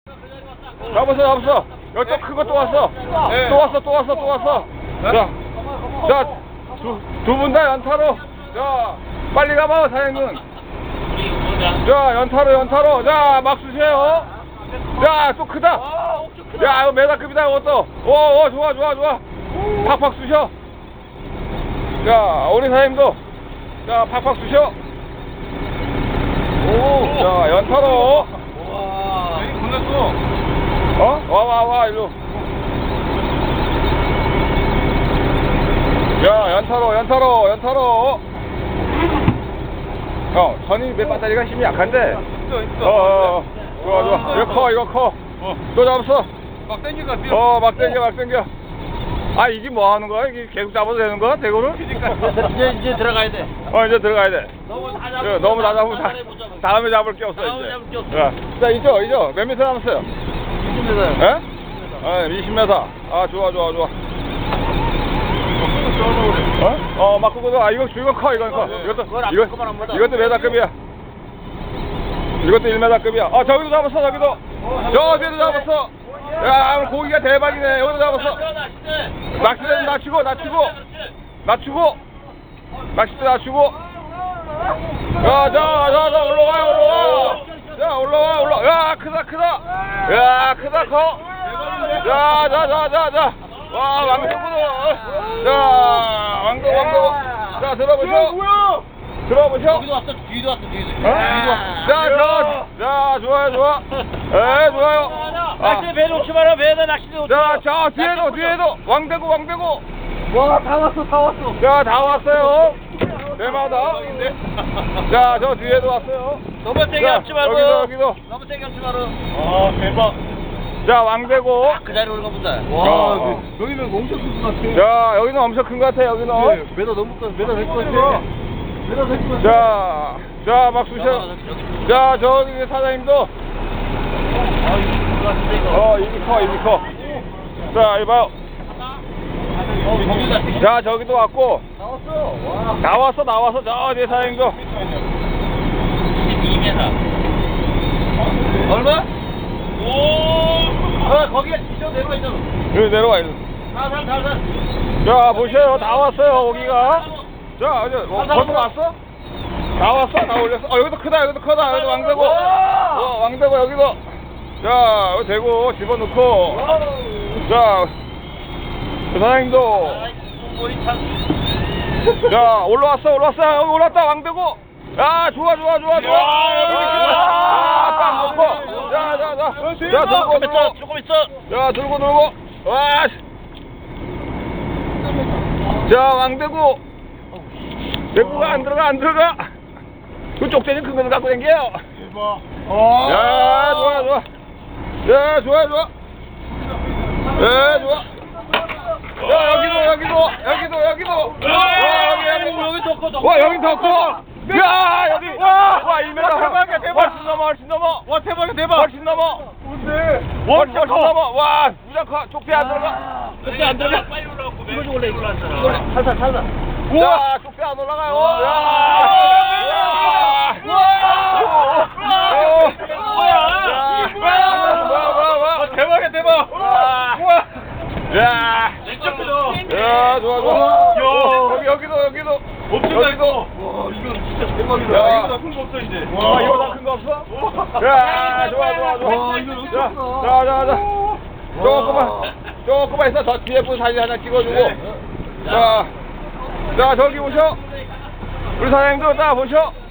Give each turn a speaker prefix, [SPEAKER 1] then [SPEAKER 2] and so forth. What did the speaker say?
[SPEAKER 1] 잡았어. 여기 또 큰 거 또 왔어.
[SPEAKER 2] 네.
[SPEAKER 1] 또 왔어. 자, 두 분 다 연타로. 자, 빨리 가봐, 사장님. 자, 연타로. 자, 막 쑤세요. 자, 또 크다. 야, 이거 메다급이다, 이것도. 오, 좋아. 팍팍 쑤셔. 자, 우리 사장님도. 자, 팍팍 쑤셔. 오, 자, 연타로.
[SPEAKER 2] 와. 여기 끝났어.
[SPEAKER 1] 와, 일로. 야, 연타로. 형, 선이 몇 배터리가 힘이 약한데.
[SPEAKER 2] 있어.
[SPEAKER 1] 좋아. 이거 커. 또 잡았어.
[SPEAKER 2] 막 땡기가
[SPEAKER 1] 막 땡겨. 아, 이게 뭐 하는 거야? 이게 계속 잡아도 되는 거야? 대구를?
[SPEAKER 3] 이제 들어가야 돼.
[SPEAKER 1] 이제 들어가야 돼.
[SPEAKER 3] 너무 다
[SPEAKER 1] 너무 다 잡으면 다음에 잡을 게 없어, 이제. 자, 이죠. 몇 미터 남았어요?
[SPEAKER 3] 20m.
[SPEAKER 1] 예? 20m. 아, 좋아. 막 끄고, 이거 커, 이건 커. 이것도 메다급이야. 이것도 1m급이야. 저기도 잡았어, 저기도. 저기도 잡았어. 야, 오늘 고기가 대박이네. 여기도 잡았어. 낚싯대는 낮추고. 낚싯대 낮추고. 자, 올라와요. 자, 올라와. 야, 크다. 야, 크다, 커. 자. 와, 왕대구도. 자, 왕대구. 자, 들어보셔.
[SPEAKER 3] 여기도 왔어. 뒤도 왔어.
[SPEAKER 1] 자, 좋아요. 좋아요.
[SPEAKER 3] 낚싯대 배 놓지 마라. 배에다 낚싯대 놓지 마라.
[SPEAKER 1] 자, 뒤에도. 왕대구.
[SPEAKER 3] 와, 다 왔어.
[SPEAKER 1] 자, 다 왔어요. 대마다. 자, 저 뒤에도 왔어요.
[SPEAKER 3] 너무 세게 잡지 말고.
[SPEAKER 1] 여기도.
[SPEAKER 3] 너무 세게 잡지 마라.
[SPEAKER 2] 아, 대박.
[SPEAKER 1] 자, 왕대구.
[SPEAKER 3] 그 자리로 올가 보자.
[SPEAKER 2] 와, 여기는 엄청 큰 것 같아.
[SPEAKER 1] 자, 여기는 엄청 큰 것 같아, 여기는.
[SPEAKER 2] 메다 넘을 것 같아. 메다 될것 같아.
[SPEAKER 1] 자, 막 쑤셔. 자, 저기 사장님도. 이미 커. 자, 이봐요. 자, 저기도 왔고. 나왔어. 저 뒤에 사장님도.
[SPEAKER 3] 2m. 얼마? 거기에 저 내려와 있잖아.
[SPEAKER 1] 여기 내려와, 일로.
[SPEAKER 3] 살살.
[SPEAKER 1] 자, 보셔요. 다 왔어요, 고기가. 자, 이제 벌써 왔어? 다 왔어? 다 올렸어? 여기도 크다. 여기도 왕대고. 왕대고, 여기도. 자, 여기 대고 집어넣고. 자, 그 사장님도. 자, 올라왔어. 여기 올랐다, 왕대고. 야, 좋아. 딱 놓고. 자,
[SPEAKER 3] 조금 있어.
[SPEAKER 1] 자, 들고 놀고. 와, 자, 왕대구. 대구가 안 들어가. 그 쪽대는 큰 거를 갖고 댕겨요.
[SPEAKER 2] 대박.
[SPEAKER 1] 야, 좋아. 야, 좋아. 야, 여기도.
[SPEAKER 3] 여기 더 커.
[SPEAKER 1] 와, 여기 더 커. 야, 여기. 와, 1m.
[SPEAKER 2] 대박.
[SPEAKER 1] 훨씬 넘어.
[SPEAKER 2] 와, 대박.
[SPEAKER 1] 훨씬 넘어.
[SPEAKER 2] 뭔데?
[SPEAKER 1] 훨씬 넘어. 와, 무장 커. 쪽대 안 들어가.
[SPEAKER 3] 그때 안 들어. 빨리 올라오고. 이거 원래 이걸로 하잖아. 살살.
[SPEAKER 1] 와, 쪽대 안 올라가요.
[SPEAKER 2] 대박.
[SPEAKER 1] 야,
[SPEAKER 3] 진짜 크다.
[SPEAKER 1] 야, 좋아. 여기도.
[SPEAKER 2] 와, 이거 진짜 대박이다.
[SPEAKER 1] 야.
[SPEAKER 2] 이거 나쁜 거 없어 이제.
[SPEAKER 1] 이거 다 큰 거 없어? 야, 좋아.
[SPEAKER 2] 와, 이거 놓쳤어.
[SPEAKER 1] 자. 조금만 있어. 저 뒤에 분 사진 하나 찍어주고.
[SPEAKER 2] 네.
[SPEAKER 1] 자, 저기 보셔. 우리 사장님도 딱 보셔.